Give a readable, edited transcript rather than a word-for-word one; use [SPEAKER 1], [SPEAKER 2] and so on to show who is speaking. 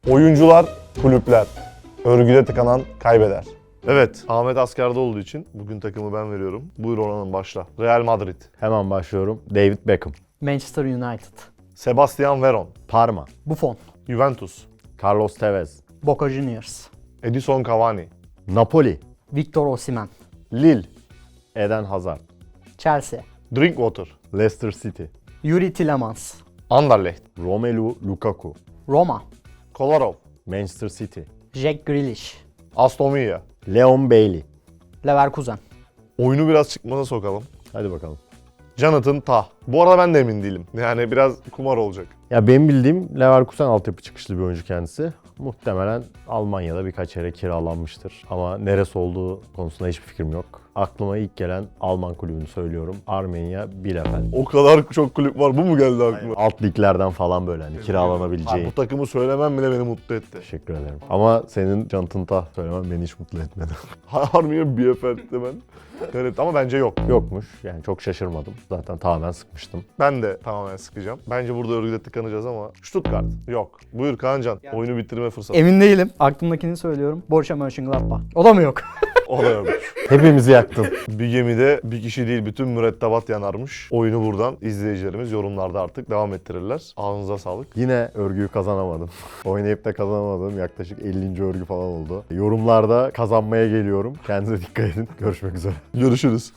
[SPEAKER 1] Oyuncular, kulüpler. Örgüde tıkanan kaybeder. Evet, Ahmet askerde olduğu için bugün takımı ben veriyorum. Buyur Orhan'ım başla. Real Madrid,
[SPEAKER 2] Hemen başlıyorum. David Beckham,
[SPEAKER 3] Manchester United.
[SPEAKER 1] Sebastian Veron,
[SPEAKER 2] Parma,
[SPEAKER 3] Buffon.
[SPEAKER 1] Juventus,
[SPEAKER 2] Carlos Tevez,
[SPEAKER 3] Boca Juniors.
[SPEAKER 1] Edison Cavani,
[SPEAKER 2] Napoli,
[SPEAKER 3] Victor Osimhen.
[SPEAKER 1] Lille,
[SPEAKER 2] Eden Hazard,
[SPEAKER 3] Chelsea.
[SPEAKER 1] Drinkwater,
[SPEAKER 2] Leicester City,
[SPEAKER 3] Yuri Tillemans.
[SPEAKER 1] Anderlecht,
[SPEAKER 2] Romelu Lukaku,
[SPEAKER 3] Roma.
[SPEAKER 1] Kolarov,
[SPEAKER 2] Manchester City,
[SPEAKER 3] Jack Grealish.
[SPEAKER 1] Aston Villa.
[SPEAKER 2] Leon Bailey.
[SPEAKER 3] Leverkusen.
[SPEAKER 1] Oyunu biraz çıkmaza sokalım.
[SPEAKER 2] Hadi bakalım.
[SPEAKER 1] Jonathan Tah. Bu arada ben de emin değilim. Yani biraz kumar olacak.
[SPEAKER 2] Ya benim bildiğim Leverkusen altyapı çıkışlı bir oyuncu kendisi. Muhtemelen Almanya'da birkaç yere kiralanmıştır. Ama neresi olduğu konusunda hiçbir fikrim yok. Aklıma ilk gelen Alman kulübünü söylüyorum. Armenia Bielefeld.
[SPEAKER 1] O kadar çok kulüp var. Bu mu geldi aklıma?
[SPEAKER 2] Alt liglerden falan böyle hani kiralanabileceği.
[SPEAKER 1] Bu takımı söylemem bile beni mutlu etti.
[SPEAKER 2] Teşekkür ederim. Ama senin Jonathan Tah söylemen beni hiç mutlu etmedi.
[SPEAKER 1] Harbiye Bielefeld'de ben. Evet ama bence yok.
[SPEAKER 2] Yokmuş. Yani çok şaşırmadım. Zaten tamamen sıkmıştım.
[SPEAKER 1] Ben de tamamen sıkacağım. Bence burada örgüde tıkanacağız ama Stuttgart yok. Buyur Kaancan. Oyunu bitirme fırsatı.
[SPEAKER 3] Emin değilim. Aklımdakini söylüyorum. Borussia Mönchengladbach. O da mı yok?
[SPEAKER 1] O da yok.
[SPEAKER 2] Hepimizi yaktın.
[SPEAKER 1] Bir gemide bir kişi değil bütün mürettebat yanarmış. Oyunu buradan izleyicilerimiz yorumlarda artık devam ettirirler. Ağzınıza sağlık.
[SPEAKER 2] Yine örgüyü kazanamadım. Oynayıp da kazanamadığım yaklaşık 50. örgü falan oldu. Yorumlarda kazanmaya geliyorum. Kendinize dikkat edin. Görüşmek üzere.
[SPEAKER 1] Görüşürüz.